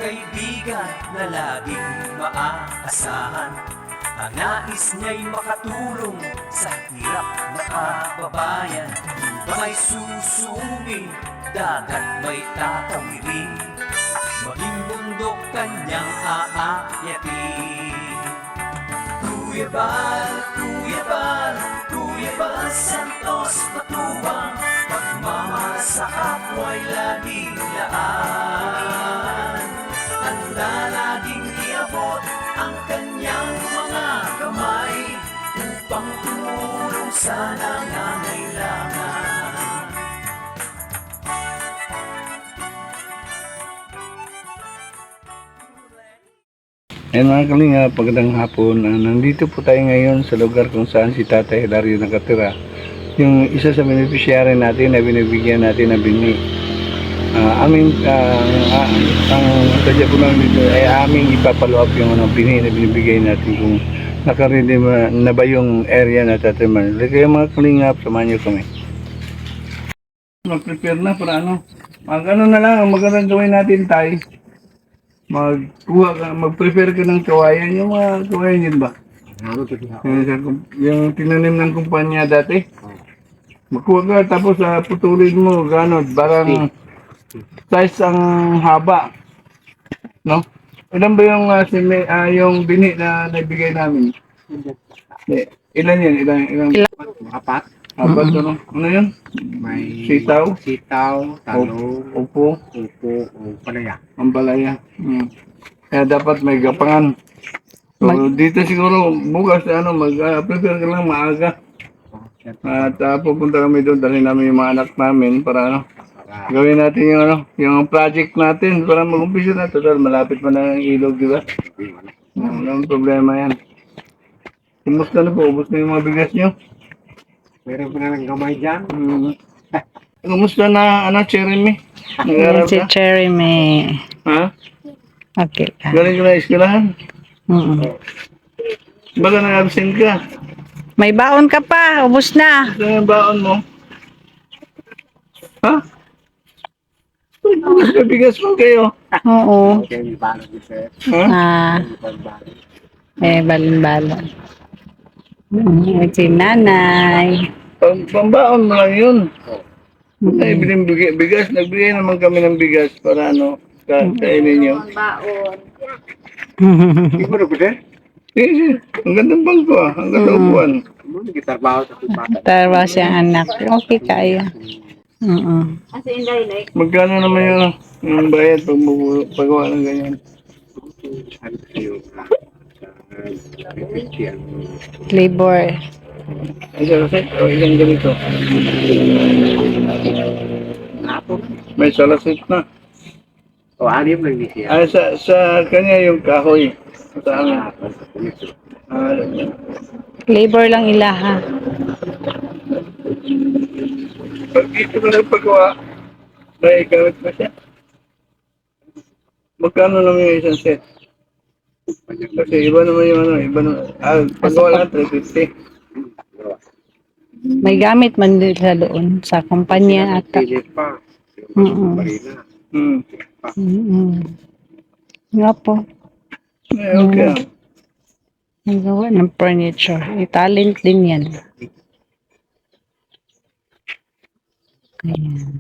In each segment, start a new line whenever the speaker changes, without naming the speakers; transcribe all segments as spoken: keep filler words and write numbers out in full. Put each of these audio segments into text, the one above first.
kaibigan na laging maaasahan. Ang nais niya'y makatulong sa hirap na kababayan. Di ba may susuming, dagat may tatawirin, maging bundok kanyang aakyatin. Kuya Bal, Kuya Bal, Kuya Bal Santos Matubang, pagmamahal sa kapwa'y laging laan. Handa laging iabot ang kanyang mga kamay upang tumulong sa nangangailangan.
Ayan mga kalinga, pagandang hapon. Uh, nandito po tayo ngayon sa lugar kung saan si Tatay Hilario nakatira. Yung isa sa beneficiary natin na binibigyan natin na bini. Uh, aming, uh, uh, ang sadya ko lang dito ay aming ipapalo up yung ano, bini na binibigay natin kung nakaready na ba yung area na tataman. Kaya mga kalinga, samahan nyo kami. Mag-prepare na para ano. Mag ano na lang, magandang gawin natin tayo. Magkuha ka, mag-prepare ka ng kawayan, yung mga kawayan yun ba? Yung, yung tinanim ng kumpanya dati. Magkuha ka, tapos uh, putulin mo, gano'n, barang size ang haba. No? Ilan ba yung, uh, simi, uh, yung bini na naibigay namin? Eh, ilan yun? Ilan? Ilan?
Apat.
Apat, mm-hmm. Ano? Ano yun?
May
sitaw,
sitaw, talong,
upo,
upo, o palaya.
Ang palaya. Hmm. Kaya dapat may gapangan. So, mag dito siguro bukas ano mag-prepare uh, ka lang maaga. At uh, pupunta kami doon, dalhin namin yung mga anak namin para ano, gawin natin yung ano, yung project natin para mag-umpisa na. Total, malapit pa na ang ilog, di ba? Walang problema yan. Kumusta na po? Ubus na yung mga bigas nyo?
Meron pa na ng gamay dyan.
Hmm. Kumusta na, ano, Jeremy?
Yan si Jeremy.
Ha?
Okay ka.
Galing ka na eskwelahan?
Mm-mm.
Baka nag-absent ka?
May baon ka pa. Ubus na.
Ito yung baon mo. Ha? Ubus na bigas mo kayo.
Oo.
Okay, may balon din sir.
Ha?
Ah, eh, balon-balon. Mm, si nanay.
Pang, pambaon mo lang yun. Ay, biling bigas, bigas. Nagbigay naman kami ng bigas para ano, ka kainin nyo.
Hindi mo na ba sir?
Eh, eh, ang gandang bangko ah. Ang gandang upuan.
Gitarbaho sa kupata.
Tarwa siyang anak. Okay kaya. Mm-mm.
Magkano naman yung, yung bayad pag mabu- pagawa ng ganyan?
Ano kayo?
Labor.
Ay, salasit o ilang ganito? May salasit na.
O, anim lang ni siya.
Ah, sa, sa kanya yung kahoy. Sa amin. Ah,
Labor lang ilaha.
pag dito ko nagpagawa, may gamit pa siya. Magkano naman yung isang set? Kasi iba naman yung ano, iba naman. Ah, pagawa lang, three fifty.
May gamit man din sa doon. Sa kumpanya ata.
Pilit pa.
Mm-mm.
Marina.
Hmm.
Mm-mm. Nga po.
Eh, okay.
Ang gawa ng furniture. Eh, talent din yan. Ayan.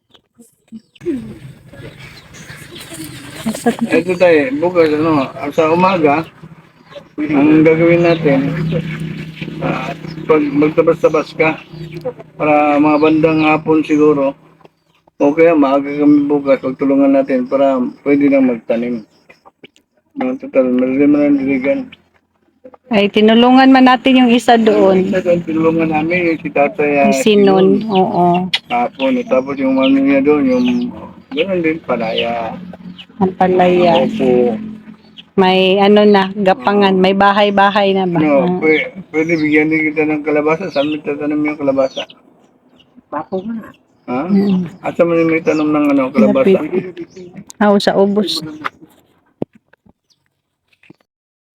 Ito tayo, bukas ano, sa umaga, ang gagawin natin, uh, pag magtabas-tabas ka, para mga bandang hapon siguro, o kaya maaga kami bukas, pagtulungan natin para pwede na magtanim. Mga total, marami man ang diligan.
Ay, tinulungan man natin yung isa doon.
Isa doon, tulungan namin yung si Tatay uh,
Sinon, oo.
hapon, eh, tapos yung mami niya doon, yung gano'n din, palaya.
Ang palaya.
Opo.
May ano na, gapangan. May bahay-bahay na ba?
No, pwede, pwede bigyan din kita ng kalabasa. Saan mo tatanim yung kalabasa?
Papo nga.
Ha?
Mm.
At sa mga may tanong ng ano, kalabasa?
Ah, sa ubos.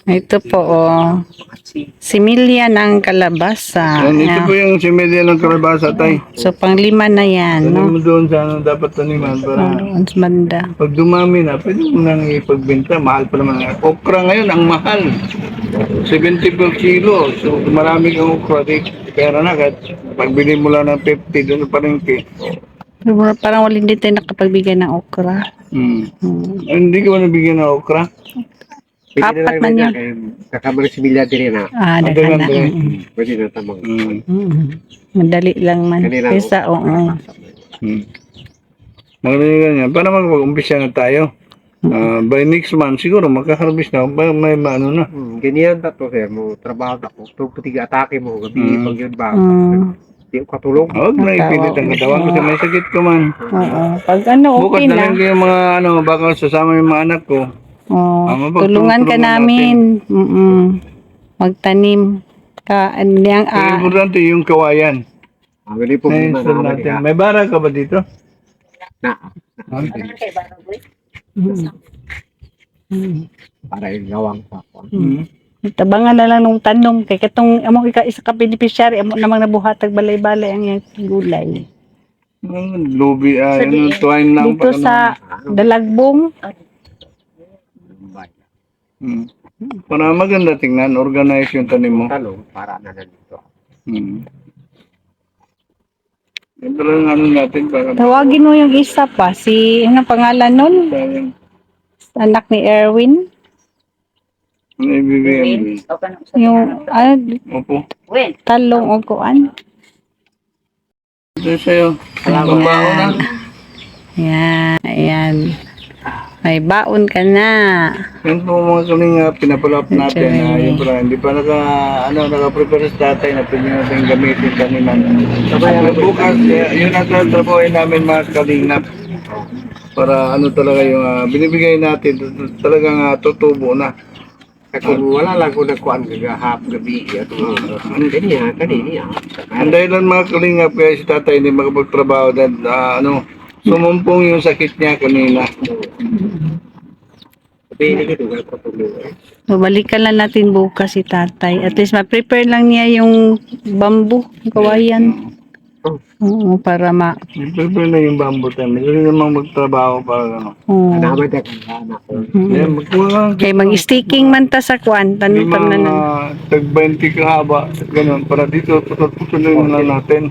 Ito po, oh. Similya ng kalabasa.
Yan, ito
Ayan.
po yung similya ng kalabasa, tay.
So, pang lima na yan,
Tanim
no?
mo doon sa ano dapat taniman para
Doon sa banda.
pag dumami na, pwede mo nang ipagbenta. Mahal pa naman. Okra ngayon, ang mahal. seventy per kilo. So, marami kang okra. Di, pera na. Kahit pagbili mo lang ng fifty doon pa rin.
Pero parang wala din tayo nakapagbigay ng okra.
Hmm.
Hmm.
Ay, hindi ka ba nabigyan ng okra?
Apat man yan.
Kakabalik si Bilya din na.
Ah,
Ang
dagan
dagan
na.
din.
Mm,
Pwede na tamang.
Hmm.
mm. Madali lang man.
Kanila,
Kesa, oo.
Hmm. Magaling ganyan. Para mag-umpisa na tayo. Ah, by next month, siguro magka-harvest na. May, may ano na.
Hmm, ganyan ta to sir mo trabaho ta ko. Tug patiga atake mo gabi
Mm.
pag yun ba.
Mm.
Di ko katulong.
Huwag na ipilit ang katawan kasi may sakit ka man.
Oo. Pag ano,
Bukas
okay
na
na.
lang kayo mga ano, baka sasama yung mga anak ko.
Oh,
Ah, mapag-
tulungan ka
tulungan
namin. Mm Magtanim ka. Ano yang,
Ang
ah,
importante yung kawayan.
Ang gali po muna
Na-install
na
natin.
natin.
May bara ka ba dito?
Na
mm, mm.
para yung gawang sa ako.
Hmm.
Tabangan na lang nung tanong kay katong amo ika isa ka beneficiary amo namang nabuhatag balay-balay ang iyang gulay.
Ang lubi, ah, ano, twine lang.
Dito
pag ano.
sa Dalagbong,
Hmm. Para maganda tingnan, organize yung tanim mo.
Talong para na nandito.
Hmm. Ito lang ano natin para
tawagin mo yung isa pa si ano pangalan nun?
sayang.
Anak ni Erwin.
Ano ibibigay mo?
Yung ano,
Opo.
talong o kuan.
Ito sa'yo. Pambao na.
Yan, ayan. May baon ka na.
Yan po mga kalinga, pinapalap natin na yung pala, hindi pa naka, ano, naka-prepare sa tatay na pwede natin gamitin taniman. At bukas, eh, yun ang tatrabuhin namin mga kalingap. Para ano talaga yung ah, binibigay natin, talagang uh, tutubo na.
Kaya kung wala lang ko nagkuhan kagahap gabi at ano kanya kanina.
Ang dahilan mga kalingap, kaya si tatay hindi makapagtrabaho dahil ah, ano, sumumpong yung sakit niya kanina.
Tapi ini gitu kan patulong.
So, balikan lang natin bukas si tatay. At least ma-prepare lang niya yung bamboo, yung kawayan. Oo, para ma...
Prepare na yung bamboo tayo. Hindi namang magtrabaho para ano.
Oo.
Naman ta kan anak ko.
Yan, magkuha lang.
Kay mag-sticking man ta sa kwan, tanong
Lima,
na nan.
tag twenty kahaba, ganun. Para dito, putol-putulin lang natin.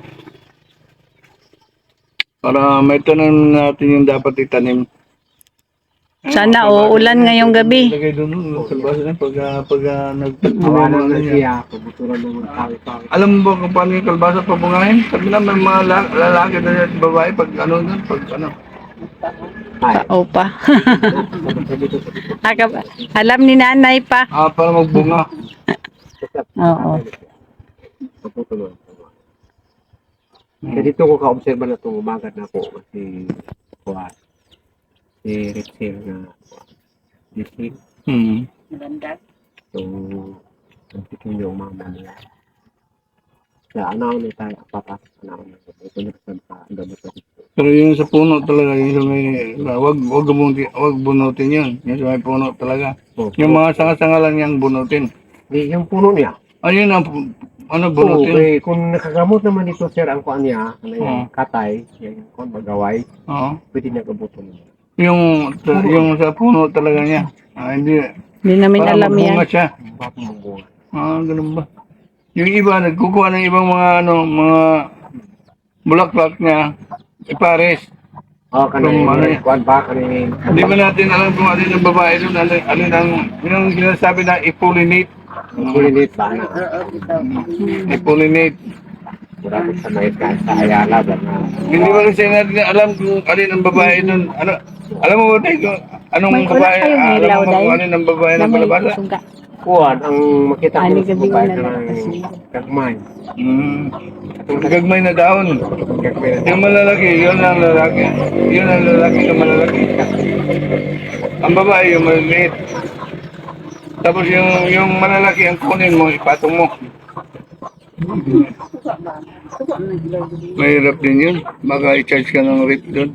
Para may tanim natin yung dapat itanim.
Sana o, ulan ngayong gabi.
Lagay doon, no, kalbasa na, pag, ah, pag uh, nagtagpunan
Awalan
na
na
niya.
siya, pubuturan ng mga tao-tao.
Alam mo ba kung paano yung kalbasa pabungahin? Sabi na may mga la- lalaki na at babae pag ano doon, pag ano.
Ay,
Opa. Aka- Alam ni nanay pa.
Ah, para magbunga.
Oo.
puputulan. Kaya dito ko ka-obserba na itong umagat na po kasi kuha si Rexel na Rexel.
Hmm.
So, nagtikin yung mama nila. Kaya anaw na tayo, apat anaw na tayo. Ito na sa gamot na dito.
Pero yung sa puno talaga, yung sa may, wag, wag, bunutin, wag bunutin yun. Yung sa may puno talaga.
So,
Yung mga sanga-sanga lang yung bunutin.
di, yung puno niya.
Ayun ang, ano,
Oo,
bunutin.
eh, kung nakagamot naman dito sir ang kuan niya, ano yung
Oo.
katay, yung kuan magaway,
Oo.
pwede niya gabuton niya.
Yung, yung sa puno talaga niya. Ah, hindi.
Hindi namin
Para
alam yan.
magbunga siya.
Bakit mabunga?
Ah, ganun ba? Yung iba, nagkukuha ng ibang mga, ano, mga bulaklak niya, ipares.
Oh, kanay,
Kung ano yan.
kuan ba, kanay,
Hindi ba natin alam kung alin ang babae doon, alin, alin ang, yung sinasabi na i-pollinate.
kulinit ba na?
I-pollinate.
Wala ko sa may kahit sa Ayala ba na?
Hindi ba kasi natin alam kung alin ang babae doon. Ano, alam mo ba tayo kung anong
May wala
babae,
kayong
ah, alam
ilaw,
mo ba kung
Day?
alin ang babae ng
Lamay
kalabasa?
suga.
Kuan, ang makita ko
Ani
sa
gabi
babae
na
na
lang kasi.
kagmay.
Hmm. Gagmay na daon.
Kagmay na
Yung malalaki, yun ang lalaki. Yun ang lalaki yung malalaki. Ang babae yung maliliit. Tapos yung yung malalaki ang kunin mo, ipatong mo. Mahirap din yun. Baka i-charge ka ng rate doon.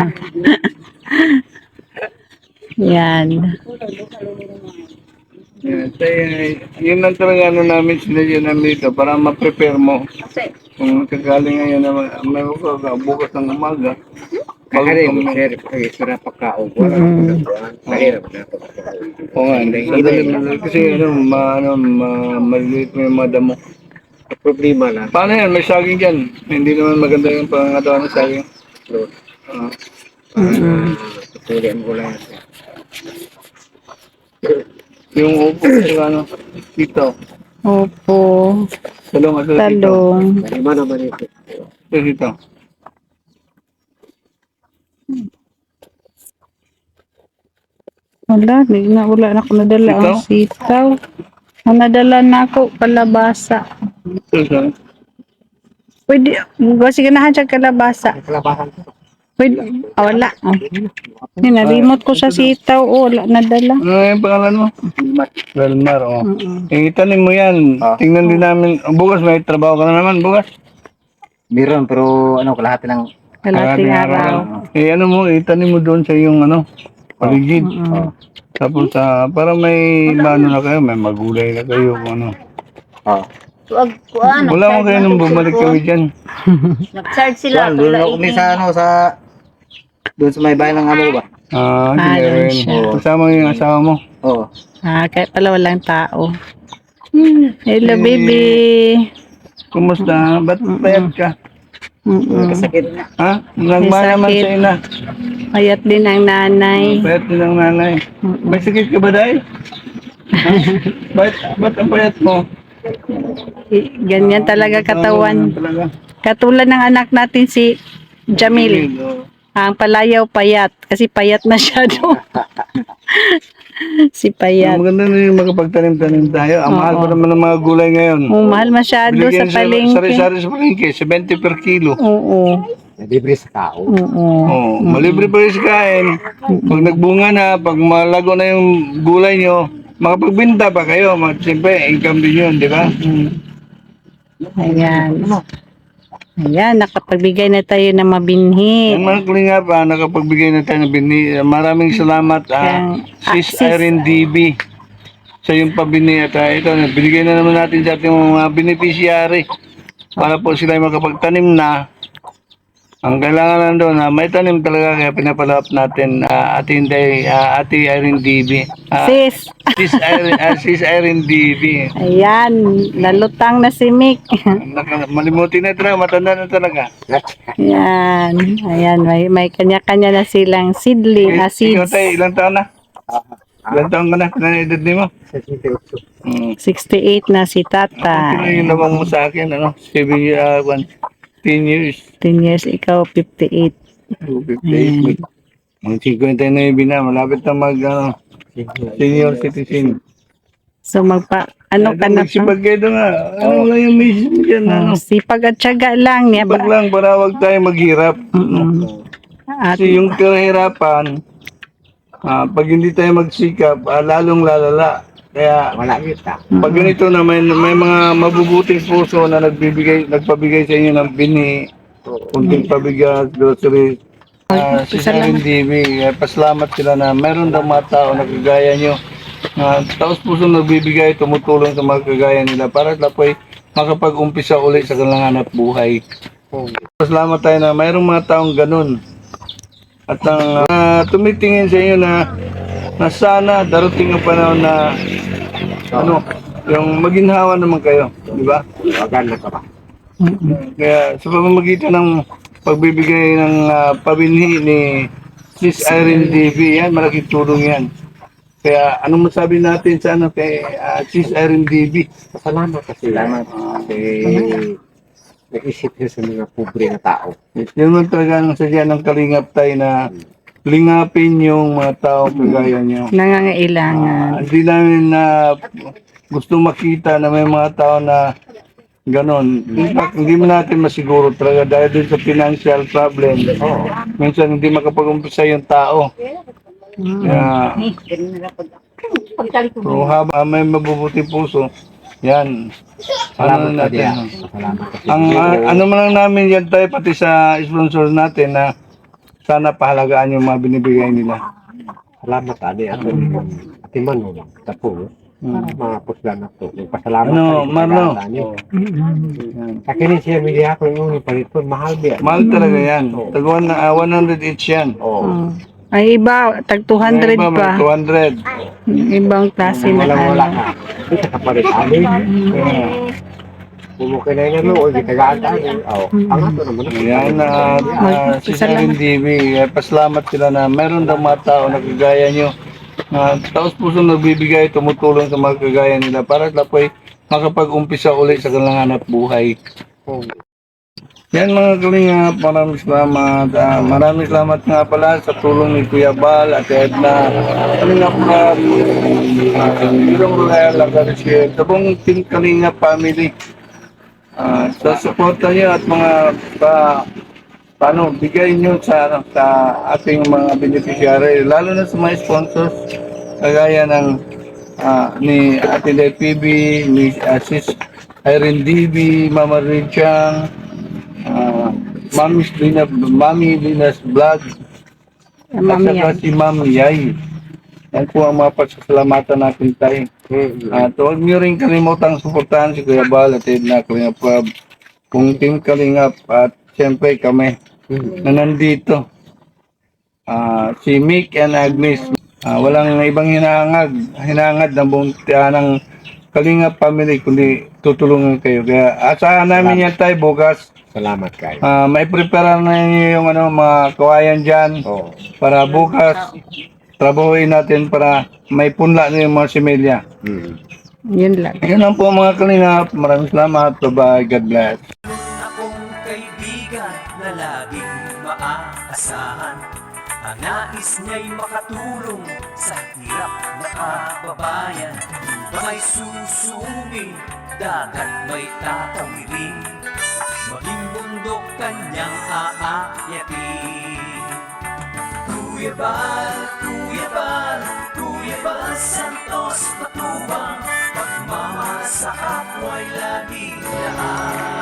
Yan.
Tay, yun lang talaga ano namin sinadya namin dito para ma-prepare mo. Kung kagaling ngayon na may umaga, bukas ng umaga. Bago
Kaya
kami.
mo, sir, ay sira pagkaon. Wala
Mm.
ko nagkuhan. Mahirap na pagkaon.
Oo nga, sandali lang. Kasi ano, ma, ano, ma, maliliit mo yung mga damo.
Ang problema lang,
Paano yan? May saging dyan. Hindi naman maganda yung pangangatawan ng saging.
load.
Ah,
Para
Mm.
tutuli ang gulay.
yung upo, yung ano, dito.
Opo.
Talong at dito.
Talong.
Lima naman ito.
Ito dito.
Wala, di na wala na ako nadala ang sitaw. Ang nadala na ako, kalabasa.
Ito siya.
Pwede, kasi ganahan siya kalabasa.
Ang kalabahan ko.
Pwede, ah, wala. Oh. Yun, na-remote ko sa sitaw. Oh, wala nadala.
Ano yung pangalan mo? Velmar, oh.
Mm-mm.
Eh, itanim mo yan. Tingnan din namin. Oh, bukas, may trabaho ka na naman, bukas.
Meron, pero ano, kalahati lang.
Kalating
Kalahating
araw.
Eh, ano mo, itanim mo doon sa yung ano, paligid.
Mm-mm.
Tapos, ah, para may maano na kayo, may magulay na kayo, kung ano.
Oo.
Wag kuan.
Wala mo kayo nung bumalik kami dyan.
Nag-charge sila.
Doon ako kami sa ano, sa... Doon sa may bayan ng amo ko ba?
Ah,
Ah,
hindi
doon
rin.
siya.
Kasama yung asawa mo.
Oo.
Ah, kaya pala walang tao. Hello,
Eh,
baby.
Kumusta? Ba't payat ka?
Mm-mm.
Kasakit.
Ha? Nagmana man
sakit.
sa ina.
Payat din ang nanay.
Payat din ang nanay. May sakit ka ba, Day? Ha? Ba't, ba't ang payat mo?
I- Ganyan talaga katawan.
Ano talaga?
Katulad ng anak natin si Jamil.
oh.
Ang palayaw payat. Kasi payat masyado. si
Ah,
payat.
maganda na yung makapagtanim-tanim tayo. Ang mahal pa
Oo.
naman ng mga gulay ngayon.
Oh, mahal masyado sa
Binigyan
palengke.
Sari-sari sa palengke, seventy per kilo.
Oo.
Libre sa tao.
Oo.
Oh, malibre pa rin sa kain. Pag nagbunga na, pag malago na yung gulay nyo, makapagbinta pa kayo. Mag- Siyempre, income din yun, di ba?
Ayan. Ayan, nakapagbigay na tayo ng mabinhi.
Ang mga kulinga pa, nakapagbigay na tayo ng bini. Maraming salamat, ah,
Kaya-
Sis
ah, Sis.
Irene D B. Sa yung pabini at ah, ito, binigay na naman natin sa ating mga beneficiary para po sila ay makapagtanim na. Ang kailangan lang doon, ah, may tanim talaga kaya pinapalap natin uh, ating day, ah, Ate Irene D B. Ah,
Sis.
Sis Irene, ah, Sis Irene D B.
Ayan, nalutang na si Mick.
Naka- Malimutin na talaga, matanda na talaga.
Ayan, ayan, may, may kanya-kanya na silang seedling,
Eh,
ah,
ikaw
seeds.
tayo, ilang taon na? Ilang taon ka na? Ilang edad ni mo? Hmm.
sixty-eight na si
Ito
tatay.
yung lamang mo sa akin, ano? seven years, uh, one, ten years.
ten years, ikaw fifty-eight.
two fifty-eight. Mga fifty-nine na, malapit na mag, ano, senior citizen.
So magpa, ano ka na pa?
Magsipag kayo doon nga. Ano lang yung message mo dyan, ano?
Oh, sipag at tiyaga lang niya.
Sipag lang para wag tayo maghirap.
Mm. At
Kasi yung kahirapan, ah, pag hindi tayo magsikap, ah, lalong lalala. Kaya,
Wala kita.
pag ganito na may, may mga mabubuting puso na nagbibigay, nagpabigay sa inyo ng bini, kunting pabigas, groceries, uh, si Sharon D B, eh, pasalamat sila na meron daw mga tao na kagaya nyo, na taos puso nagbibigay, tumutulong sa mga kagaya nila para sila po ay makapag-umpisa ulit sa kanilang hanap buhay. Pasalamat tayo na mayroong mga taong ganun. At ang ah, tumitingin sa inyo na na sana darating ang panahon na ano, yung maginhawa naman kayo, di ba?
Maganda ka ba?
Kaya sa pamamagitan ng pagbibigay ng ah, pabinhi ni Sis Irene D B, yan, malaking tulong yan. Kaya anong masabi natin sa ano kay ah, Sis Irene D B?
Salamat kasi. Salamat. Kasi nag-isip niya sa mga pobre na tao.
Yun man talaga ang sadya ng kalingap tayo na lingapin yung mga tao kagaya nyo.
nangangailangan.
Ah, hindi namin na gusto makita na may mga tao na ganon. In fact, hindi mo natin masiguro talaga dahil din sa financial problem. Minsan hindi makapag-umpisa yung tao. Kaya, so, haba may mabubuti puso, yan. Ano
Salamat ka
natin.
diya.
no?
Salamat kasi.
Ang ah, ano man lang namin yan tayo pati sa sponsor natin na sana pahalagaan yung mga binibigay nila.
Salamat adi at ati Manong. Tapo.
Hmm.
Mga puslan na po. Pasalamat
Ano,
tayo sa
Marlo?
pag-aaral niyo.
Yan.
Sa kinin siya, bili ako yung palito. Mahal ba yan?
Mahal talaga yan. Tag one, ah, one hundred each yan.
Oo.
Oh. Ay iba, tag two hundred
Yung iba, may
pa.
two hundred.
Yung ibang klase na
Walang wala
ano.
ka. Hindi ka kapalit. Amin. Bumukay na yun. O, hindi tagaan. Oo. Ang ato naman.
Ayan, uh, uh, si Sarin T V, eh, pasalamat sila na meron daw mga tao na kagaya nyo. Uh, taos puso nagbibigay, tumutulong sa mga kagaya nila para sila po ay makapag-umpisa ulit sa kanilang hanap buhay. Yan mga kalingap, maraming salamat. Ah, maraming salamat nga pala sa tulong ni Kuya Bal at Edna. Kalingap na Ilong Royal Lagarcia, sa buong Team Kalingap family. Ah, sa suporta niyo at mga pa, paano, bigay niyo sa, ano, sa ating mga beneficiary, lalo na sa mga sponsors, kagaya ng ah, ni Ate Day P B, ni uh, Sis Irene D B, Mama Richang, uh, Mami Lina, Mami Lina's Vlog, at
Mami
saka
yan.
si Mami Yay. Yan po ang mga pagsasalamatan natin tayo. At huwag niyo rin kalimutang suportahan si Kuya Bal at Edna Kalingap Club, kung Team Kalingap at siyempre kami na nandito. Ah, si Mick and Agnes, ah, walang ibang hinahangad, hinahangad ng buong ah, ng Kalingap family kundi tutulungan kayo. Kaya asahan namin yan tayo bukas.
Salamat kayo.
Ah, may prepare na niyo yung ano, mga kawayan dyan
Oo.
para bukas trabahuin natin para may punla na yung mga similya.
Hmm.
Yun lang.
Yun lang po mga Kalingap. Maraming salamat. Bye-bye. God bless.
Akong kaibigan na laging maaasahan. Ang nais niya'y makatulong sa hirap na kababayan. Ba may susumi, dagat may tatawirin, maging bundok kanyang aakyatin. Kuya Bal, Kuya Bal, Kuya Bal Santos Matubang, pagmamahal sa kapwa'y laging laan.